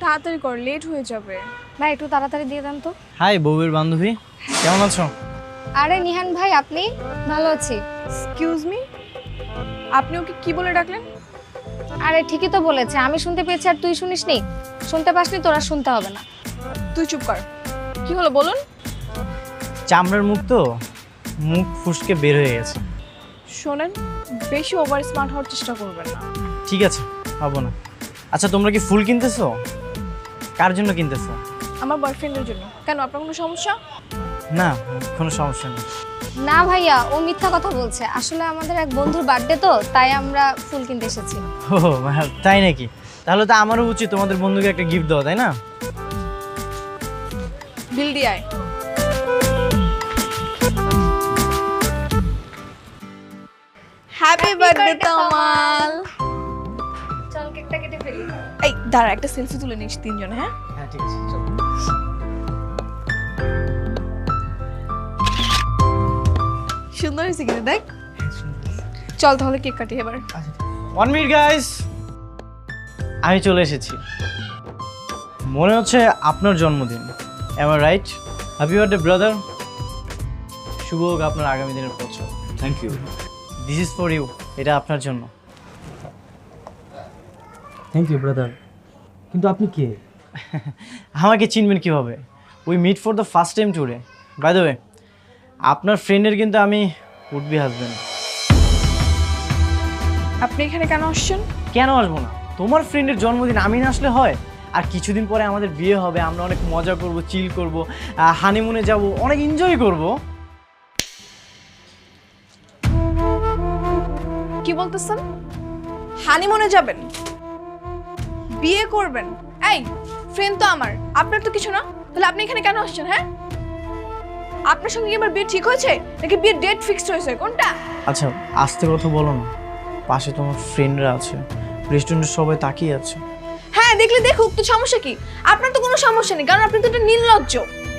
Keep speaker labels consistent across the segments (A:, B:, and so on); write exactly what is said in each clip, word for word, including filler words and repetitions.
A: তাড়াতাড়ি কর, লেট হয়ে যাবে।
B: ভাই একটু তাড়াতাড়ি দিয়ে দেন তো।
C: হাই বউয়ের বান্ধবী, কেমন আছো?
B: আরে নিহান ভাই, আপনি? ভালো আছি।
A: এক্সকিউজ মি, আপনি ওকে কি বলে ডাকলেন?
B: আরে ঠিকই তো বলেছে, আমি শুনতে পেয়েছি আর তুই শুনিসনি? শুনতে পাসনি, তোরা শুনতে হবে না।
A: তুই চুপ কর। কি হলো বলুন?
C: চামড়ার মুখ তো, মুখ ফুসকে বের হয়ে গেছে।
A: শোনেন, বেশি ওভার স্মার্ট হওয়ার চেষ্টা করবেন না।
C: ঠিক আছে, হবো না। আচ্ছা তোমরা কি ফুল কিনতেছো? কার জন্য কিনতেছো?
A: আমার বয়ফ্রেন্ডের জন্য। কেন, আপনার কোনো সমস্যা?
C: না, কোনো সমস্যা নেই।
B: না ভাইয়া, ও মিথ্যা কথা বলছে। আসলে আমাদের এক বন্ধুর বার্থডে তো, তাই আমরা ফুল কিনতে এসেছি।
C: ও তাই নাকি? তাহলে তো আমারও উচিত তোমাদের বন্ধুকে একটা গিফট দেওয়া, তাই না?
A: বিল দিয়ে আয়। Happy birthday Tamal.
B: চল কেকটা কেটে ফেলি।
A: এই দাঁড়া, একটা সেলফি তুলে নিস তিনজনে। হ্যাঁ
C: হ্যাঁ ঠিক আছে, চলো।
A: সুন্দর হয়েছে কিন্তু, দেখ। চল তাহলে কেক কাটি এবার।
C: ওয়ান মিনিট গাইস, আমি চলে এসেছি। মনে হচ্ছে আপনার জন্মদিন, am I right? Happy birthday brother. শুভ হোক আপনার আগামী দিনের বছর।
D: Thank you.
C: This is for you, এটা আপনার জন্য।
D: Thank you brother. কিন্তু আপনি কে?
C: আমাকে চিনবেন কিভাবে? We meet for the first time today. By the way, আপনার ফ্রেন্ডের কিন্তু আমি উড বি হাজবেন্ড।
A: আপনি এখানে কেন আসছেন?
C: কেন আসবো না? তোমার ফ্রেন্ডের জন্মদিন আমি না আসলে হয়? আর কিছুদিন পরে আমাদের বিয়ে হবে, আমরা অনেক মজা করব, চিল করব, হানিমুনে যাব, অনেক এনজয় করব।
A: কি বলতেছেন? হানিমুনে যাবেন, বিয়ে করবেন? এই ফ্রেন্ড তো আমার, আপনার তো কিছু না। তাহলে আপনি এখানে কেন আসছেন? হ্যাঁ, আপনার সঙ্গে কি আমার বিয়ে ঠিক হয়েছে নাকি বিয়ের ডেট ফিক্সড হয়েছে, কোনটা?
C: আচ্ছা আস্তে কথা বলো না, পাশে তোমার ফ্রেন্ডরা আছে, রেস্টুরেন্টে সবাই তাকিয়ে আছে।
A: হ্যাঁ দেখলে দেখুক, তো সমস্যা কি? আপনার তো কোনো সমস্যা নেই, কারণ আপনি তো একটা নির্লজ্জ।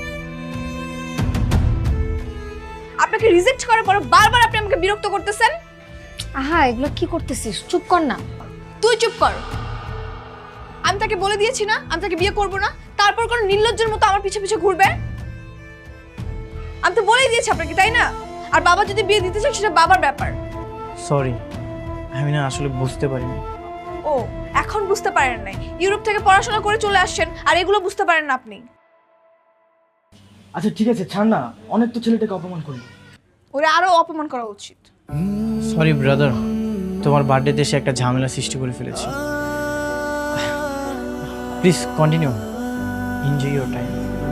A: আপনাকে রিজেক্ট করার পর বারবার আপনি আমাকে বিরক্ত করতেছেন।
B: আহা, এগুলো কি করতেছিস? চুপ কর না।
A: তুই চুপ কর। আমি তাকে বলে দিয়েছি না আমি তাকে বিয়ে করব না, তারপর কোন নির্লজ্জের মতো আমার পিছে পিছে ঘুরবে? আমি তো বলেই দিয়েছি আপনাকে, তাই না? আর বাবা যদি বিয়ে দিতে চায় সেটা বাবার ব্যাপার।
C: সরি, আমি না আসলে বুঝতে পারিনি।
A: ও, এখন বুঝতে পারেন নাই? ইউরোপ থেকে পড়াশোনা করে চলে আসছেন আর এগুলো বুঝতে পারেন না আপনি?
D: আচ্ছা ঠিক আছে, ছাড় না, অনেক তো ছেলেটাকে অপমান করলি।
A: ওরা আরো অপমান করা উচিত।
C: সরি ব্রাদার, তোমার বার্থডেতে এসে একটা ঝামেলা সৃষ্টি করে ফেলেছি। Please continue, enjoy your time.